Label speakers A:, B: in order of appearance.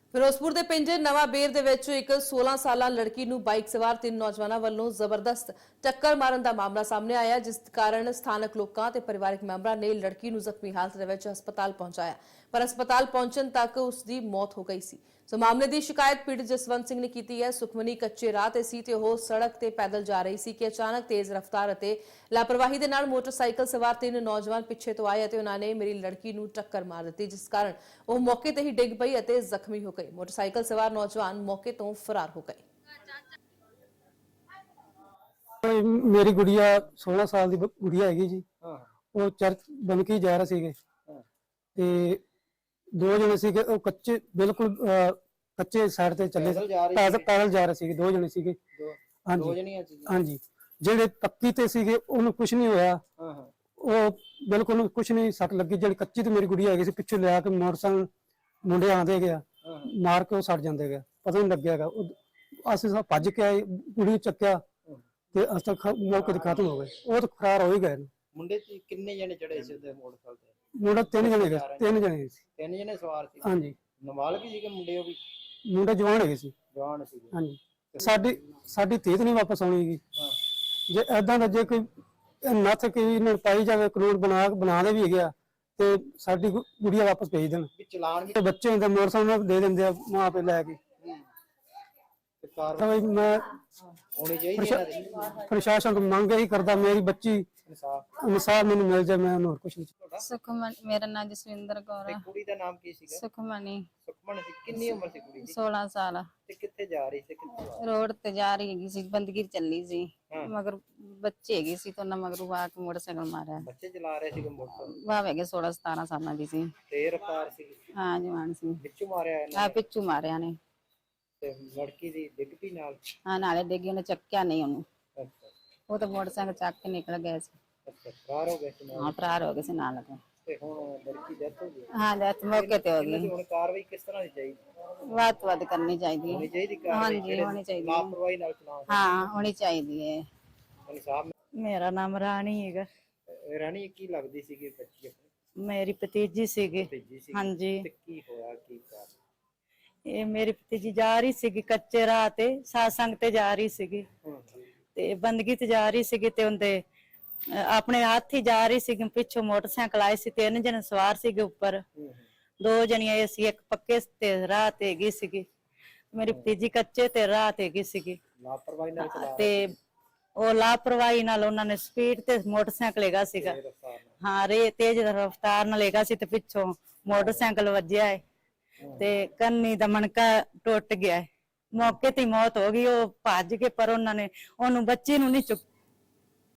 A: ਫਿਰੋਜ਼ਪੁਰ ਦੇ ਪਿੰਡ ਨਵਾਂ ਬੇਰ ਦੇ ਵਿੱਚ ਇੱਕ 16 ਸਾਲਾ ਲੜਕੀ ਨੂੰ ਬਾਈਕ ਸਵਾਰ ਤਿੰਨ ਨੌਜਵਾਨਾਂ ਵੱਲੋਂ ਜ਼ਬਰਦਸਤ ਟੱਕਰ ਮਾਰਨ ਦਾ ਮਾਮਲਾ ਸਾਹਮਣੇ ਆਇਆ, ਜਿਸ ਕਾਰਨ ਸਥਾਨਕ ਲੋਕਾਂ ਤੇ ਪਰਿਵਾਰਕ ਮੈਂਬਰਾਂ ਨੇ ਲੜਕੀ ਨੂੰ ਜ਼ਖਮੀ ਹਾਲਤ ਦੇ ਵਿੱਚ ਹਸਪਤਾਲ ਪਹੁੰਚਾਇਆ, ਪਰ ਹਸਪਤਾਲ ਪਹੁੰਚਣ ਤੱਕ ਉਸ ਦੀ ਮੌਤ ਹੋ ਗਈ ਸੀ। ਸੋ ਮਾਮਲੇ ਦੀ ਸ਼ਿਕਾਇਤ ਪੀੜਤ ਜਸਵੰਤ ਸਿੰਘ ਨੇ ਕੀਤੀ ਹੈ। ਸੁਖਮਨੀ ਕੱਚੇ ਰਾਹ ਤੇ ਸੀ ਤੇ ਉਹ ਸੜਕ ਤੇ ਪੈਦਲ ਜਾ ਰਹੀ ਸੀ ਕਿ ਅਚਾਨਕ ਤੇਜ਼ ਰਫ਼ਤਾਰ ਅਤੇ ਲਾਪਰਵਾਹੀ ਦੇ ਨਾਲ ਮੋਟਰਸਾਈਕਲ ਸਵਾਰ ਤਿੰਨ ਨੌਜਵਾਨ ਪਿੱਛੇ ਤੋਂ ਆਏ ਅਤੇ ਉਹਨਾਂ ਨੇ ਮੇਰੀ ਲੜਕੀ ਨੂੰ ਟੱਕਰ ਮਾਰ ਦਿੱਤੀ, ਜਿਸ ਕਾਰਨ ਉਹ ਮੌਕੇ ਤੇ ਹੀ ਡਿੱਗ ਪਈ ਅਤੇ ਜ਼ਖਮੀ ਹੋ ਗਈ। मोटरसाइकिल सवार नौजवान मौके तो फरार हो गए।
B: मेरी गुड़िया 16 साल की गुड़िया है जी। वो चर्च बन के जा रहे थे ते दो जने सी कच्चे बिल्कुल कच्चे साइड ते चले पैदल जा रहे थे दो जने सी। हाँ जी हाँ जी जेडे पक्की ते सी उन्हें कुछ नहीं होया, वो बिल्कुल कुछ नहीं सट लगी। जेडी कच्ची ते मेरी गुड़िया है पिछले लिया के मोटरसाइकिल मुंडे आंदे गया मार के सड़ जाते गए, पता नहीं लग्या। असं सब भज के आए, कुड़ी चक्या ते अस तक मौके ते खत्म हो गए। वो तो फरार हो ही गए।
C: मुंडे किन्ने जने चढ़े सी उते मोटरसाइकिल ते?
B: मुंडा तीन जने गए, तीन जने सी।
C: तीन जने सवार सी?
B: हां जी।
C: नाबालग सी के मुंडे ओ भी?
B: मुंडा जवान है सी।
C: जवान सी।
B: हां जी। साडी तीत नहीं वापस आउणी गी। हां जे ऐदां दा जे कोई नथ के इन्हां पाई जावे, कानून बना दे भी हैगा ते साडी गुड़िया वापस भेज देन।
C: चलान भी
B: ते बच्चे हुंदे मोटरसाइकिल दे दिंदे मां पे लैके।
C: ते कार्रवाई
B: मैं
C: होनी चाहिए।
B: प्रशासन को मांग ही करदा मेरी बच्ची इंसाफ मैनूं मिल जाए, मैं होर कुछ नहीं।
D: सुखमनी, मेरा नाम जसविंदर कौर है।
C: कुड़ी दा नाम की सीगा?
D: सुखमनी।
C: सुखमन सी। कितनी उम्र सी कुड़ी दी?
D: 16 साल।
C: ते कित्थे जा रही सी? कित्थे
D: रोड ते जा रही सी, बंदगी चली सी, मगर बच्चे हैगे सी तो ना मगरू आके मोटरसाइकिल मारा।
C: बच्चे चला रहे सी मोटरसाइकिल?
D: वाह हैगे 16-17 साल दी सी।
C: ते रफ्तार सी?
D: हां जवान सी।
C: विचों मारिया इन्हां
D: आ पिछू मारिया ने
C: ते लड़की दी डिग पई नाल?
D: हां नाले डिगी ने चक्या नहीं ओनू।
C: अच्छा
D: वो तो मोटरसाइकिल चक के निकल गए सी।
C: अच्छा फरार हो गए सी नाल?
D: हां फरार हो गए सी नाल के।
C: ते हुण लड़की डेथ हो गई?
D: हां डेथ मौके ते हो
C: इन्हां दी
D: गई।
C: हुण कार्रवाई किस तरह दी चाहिए?
D: वाद करनी चाहिए।
C: होनी चाहिए
D: हां
C: कार्रवाई?
D: जी होनी चाहिए।
C: लापरवाही नाल चलान?
D: हां होनी चाहिए।
C: इंसाफ
E: मेरा नाम रानी है।
C: रानी की लगदी सी कि बच्ची अपनी?
E: मेरी भतीजी सीगी।
C: भतीजी सी?
E: हाँ जी।
C: ते की होया की कारण?
E: ये मेरी भतीजी जा रही सीगी कच्चे राह ते सत्संग ते जा रही सीगी ते बंदगी ते जा रही सीगी ते उनदे अपने हाथ ही जा रही सीगी। पिछों मोटरसाइकिल आए सी, तीन जने सवार सीगे ऊपर, दो जनियां सी, एक पक्के ते राह ते गई सीगी, मेरी भतीजी कच्चे ते राह ते गई सीगी।
C: लापरवाही नाल चला
E: ते ਉਹ ਲਾਪਰਵਾਹੀ ਨਾਲ ਉਹਨਾਂ ਨੇ ਸਪੀਡ ਤੇ ਮੋਟਰਸਾਈਕਲ ਹੈਗਾ ਸੀਗਾ। ਹਾਂ ਰੇ ਤੇਜ਼ ਰਫ਼ਤਾਰ ਨਾਲ ਹੈਗਾ ਸੀ ਤੇ ਪਿੱਛੋਂ ਮੋਟਰਸਾਈਕਲ ਵੱਜਿਆ ਹੈ ਤੇ ਕੰਨੀ ਦਾ ਮਣਕਾ ਟੁੱਟ ਗਿਆ ਹੈ। ਮੌਕੇ ਤੇ ਮੌਤ ਹੋ ਗਈ। ਉਹ ਭੱਜ ਕੇ ਪਰ ਉਹਨਾਂ ਨੇ ਉਹਨੂੰ ਬੱਚੀ ਨੂੰ ਨਹੀਂ